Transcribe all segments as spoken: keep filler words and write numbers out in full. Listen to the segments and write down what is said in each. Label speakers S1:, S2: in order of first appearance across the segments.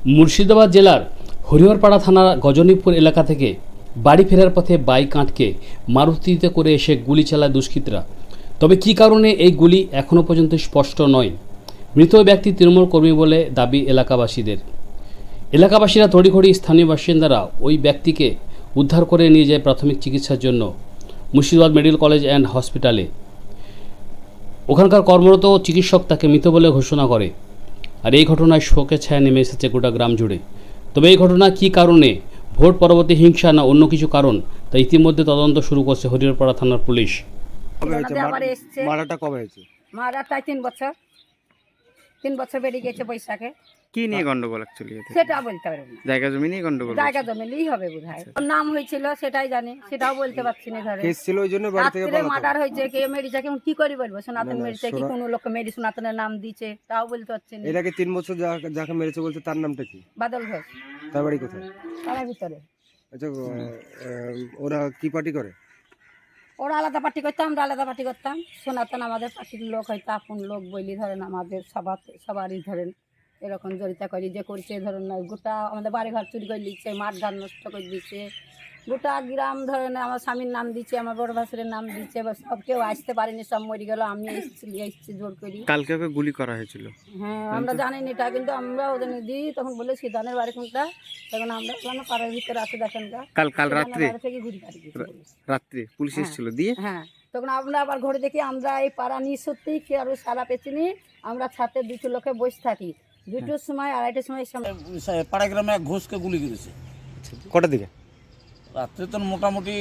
S1: মুর্শিদাবাদ জেলার হরিহরপাড়া থানার গজনীপুর এলাকা থেকে বাড়ি ফেরার পথে বাইক আটকে মারুতিতে করে এসে গুলি চালায় দুষ্কৃতীরা। তবে কী কারণে এই গুলি এখনও পর্যন্ত স্পষ্ট নয়। মৃত ব্যক্তি তৃণমূল কর্মী বলে দাবি এলাকাবাসীদের। এলাকাবাসীরা তড়িঘড়ি স্থানীয় বাসিন্দারা ওই ব্যক্তিকে উদ্ধার করে নিয়ে যায় প্রাথমিক চিকিৎসার জন্য মুর্শিদাবাদ মেডিকেল কলেজ অ্যান্ড হসপিটালে। ওখানকার কর্মরত চিকিৎসক তাকে মৃত বলে ঘোষণা করে। আর এই ঘটনায় শোকের ছায়া নেমে এসেছে গোটা গ্রাম জুড়ে। তবে এই ঘটনা কী কারণে, ভোট পরবর্তী হিংসা না অন্য কিছু কারণ, তা ইতিমধ্যে তদন্ত শুরু করছে হরিহরপাড়া থানার পুলিশ।
S2: মারাটা কবে হয়েছে?
S3: মারাটা তিন বছর তিন বছর বেরিয়ে গেছে বৈশাখে।
S2: কি নিয়ে গন্ডগোল অ্যাকচুয়ালি?
S3: সেটা বলতে পারবো না।
S2: জায়গা জমি নিয়ে গন্ডগোল?
S3: জায়গা জমিলেই হবে বোধহয়। ওর নাম হয়েছিল সেটাই জানি, সেটাও বলতে পারছি না। ধরে
S2: কেস ছিল ওই জন্য বাড়ি থেকে
S3: রাত্রে মার্ডার হয়েছে, কে মেরেছে, কেমন কি করে বলবো? সনাতন মেরেছে কি কোনো লোক মেরে সনাতনের নাম দিয়েছে তাও বলতে পারছি না।
S2: এটাকে তিন বছর যা- যাকে মেরেছে বলছে তার নামটা কি?
S3: বাদল ঘোষ।
S2: তার বাড়ি কোথায়?
S3: তার ভিতরে।
S2: আচ্ছা, আহ, ওরা কি পার্টি করে?
S3: ওরা আলাদা পার্টি করতাম, আমরা আলাদা পার্টি করতাম। সনাতন আমাদের পার্টির লোক, হয়তো আপন লোক বলি ধরেন, আমাদের সবার সবারই ধরেন এরকম জড়িতা করি যে করছে ধরেন। গোটা আমাদের বাড়ি ঘর চুরি করে দিচ্ছে, মাঠ ধান নষ্ট করে দিচ্ছে, গোটা গ্রাম ধরেন আমার স্বামীর নাম দিচ্ছে, আমার বড় ভাসুরের নাম দিচ্ছে। সব কেউ আসতে পারেনি, সব মরে গেল। আমি এসেছি এসেছি জোর করি।
S2: কালকে ওকে গুলি করা হয়েছিল?
S3: হ্যাঁ, আমরা জানিনি এটা, কিন্তু আমরা ওদের দিই তখন বলে সিদ্ধানের বাড়ি কোনটা, তখন আমরা বললাম পাড়ার ভিতরে আছে দেখেন গা।
S2: কাল কাল রাত্রে
S3: থেকে ঘুরি কাটি
S2: রাত্রে পুলিশ এসেছিল দিয়ে?
S3: হ্যাঁ, তখন আমরা আবার ঘরে দেখি আমরা এই পাড়া নিয়ে সত্যি কি আরো সারা পেছিনি, আমরা ছাতে দুটো লোকে বসে থাকি। দুটোর সময় আড়াইটার সময়
S4: পাড়া গ্রামে এক ঘোষকে গুলি করেছে।
S2: কটার দিকে?
S4: রাত্রে তো মোটামুটি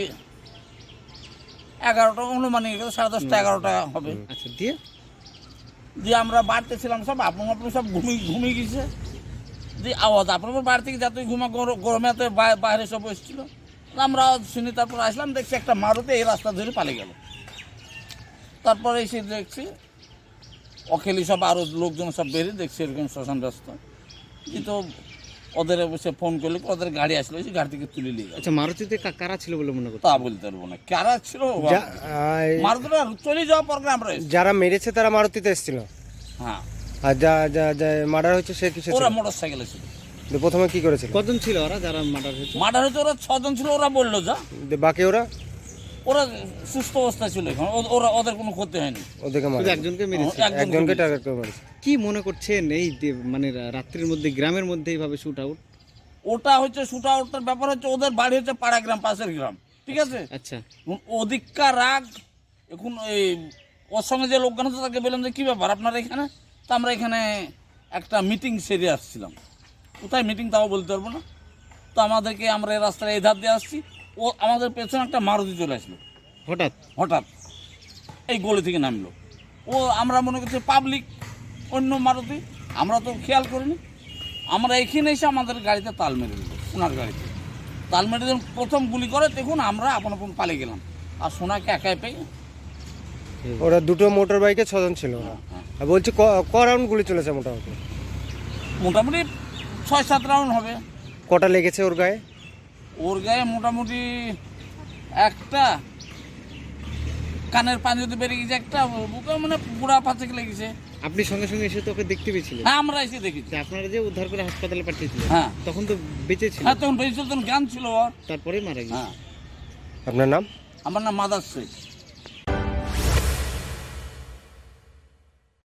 S4: এগারোটা অনুমানিক সাড়ে দশটা এগারোটা হবে।
S2: আচ্ছা, দিয়ে
S4: দিয়ে আমরা বাড়িতে ছিলাম, সব আপন আপন সব ঘুমিয়ে ঘুমিয়ে গেছে। দিয়ে আওয়াজ আপনার বাড়ি থেকে যাতে ঘুমা গরমে এত বাইরে সব এসেছিল, আমরা শুনি। তারপর আসলাম, দেখছি একটা মারুতি এই রাস্তা ধরে পালিয়ে গেল। তারপরে এসে দেখছি অখেলি সব আরও লোকজন সব বেরিয়ে দেখছি এরকম শ্মশান রাস্তা। কিন্তু ওদের অবশ্যই ফোন করলে ওদের গাড়ি আসলো, ওই গাড়ি থেকে তুলে নিয়ে গেল।
S2: আচ্ছা, মারুতিতে কারা ছিল বলে মনে করছো?
S4: তা বলতে পারবো না কারা ছিল। মারুতিটা চলে যাওয়ার পর আমরা
S2: যারা মেরেছে তারা মারুতিতে এসেছিল?
S4: হ্যাঁ।
S2: আর যা যা মার্ডার হয়েছে সে কিসে?
S4: ওরা মোটর সাইকেলে ছিল।
S2: প্রথমে কি করেছিল? কজন ছিল ওরা যারা মার্ডার হয়েছে?
S4: মার্ডার হয়েছে ওরা ছজন ছিল, ওরা বললো যা।
S2: বাকি ওরা
S4: ওরা সুস্থ অবস্থায় ছিল এখন, ওরা ওদের কোনো ক্ষতি হয়নি।
S2: ওদেরকে মারা একজনকে মেরেছে, একজনকে টার্গেট করে মেরেছে। কি মনে করছেন এই মানে রাত্রির মধ্যে গ্রামের মধ্যে এইভাবে শুট আউট?
S4: ওটা হচ্ছে শুট আউটের ব্যাপার হচ্ছে, ওদের বাড়ি হচ্ছে পাড়া গ্রাম, পাশের গ্রাম, ঠিক আছে?
S2: আচ্ছা,
S4: ওদিককার রাগ এখন এই ওর সঙ্গে যে লোকজন আছে তাকে বললাম যে কী ব্যাপার আপনারা এখানে? তো আমরা এখানে একটা মিটিং সেরে আসছিলাম। কোথায় মিটিং তাও বলতে পারবো না। তো আমাদেরকে আমরা এই রাস্তায় এই ধার দিয়ে আসছি, ও আমাদের পেছনে একটা মারুতি চলে আসলো
S2: হঠাৎ
S4: হঠাৎ এই গলি থেকে নামলো। ও আমরা মনে করছি পাবলিক, অন্য মারুতি, আমরা তো খেয়াল করিনি। আমরা এখানে এসে আমাদের গাড়িতে তাল মেরে দিল, সোনার গাড়িতে তাল মেরে দিলাম। প্রথম গুলি করে দেখুন আমরা আপন আপন পালিয়ে গেলাম, আর সোনাকে একাই পেয়ে।
S2: ওরা দুটো মোটর বাইকে ছজন ছিল ওরা। আর বলছি ক রাউন্ড গুলি চলেছে মোটামুটি?
S4: মোটামুটি ছয় সাত রাউন্ড হবে।
S2: কটা লেগেছে ওর গায়ে?
S4: ওর গায়ে মোটামুটি একটা কানের পাঞ্জুতে বেরিয়ে গেছে, একটা বুকে মানে বুড়া পাঁচেক লেগেছে।
S2: আপনি সঙ্গে সঙ্গে এসে তো ওকে দেখতে পেয়েছিলেন?
S4: হ্যাঁ, আমরা এসে দেখেছি।
S2: আপনারা যে উদ্ধার করে হাসপাতালে পাঠিয়েছিলেন,
S4: হ্যাঁ,
S2: তখন তো বেঁচে ছিল?
S4: হ্যাঁ, তখন বেঁচে ছিল, তখন জ্ঞান ছিল ওর।
S2: তারপরেই মারা গেছে।
S4: হ্যাঁ।
S2: আপনার নাম?
S4: আমার নাম মাদার শেখ।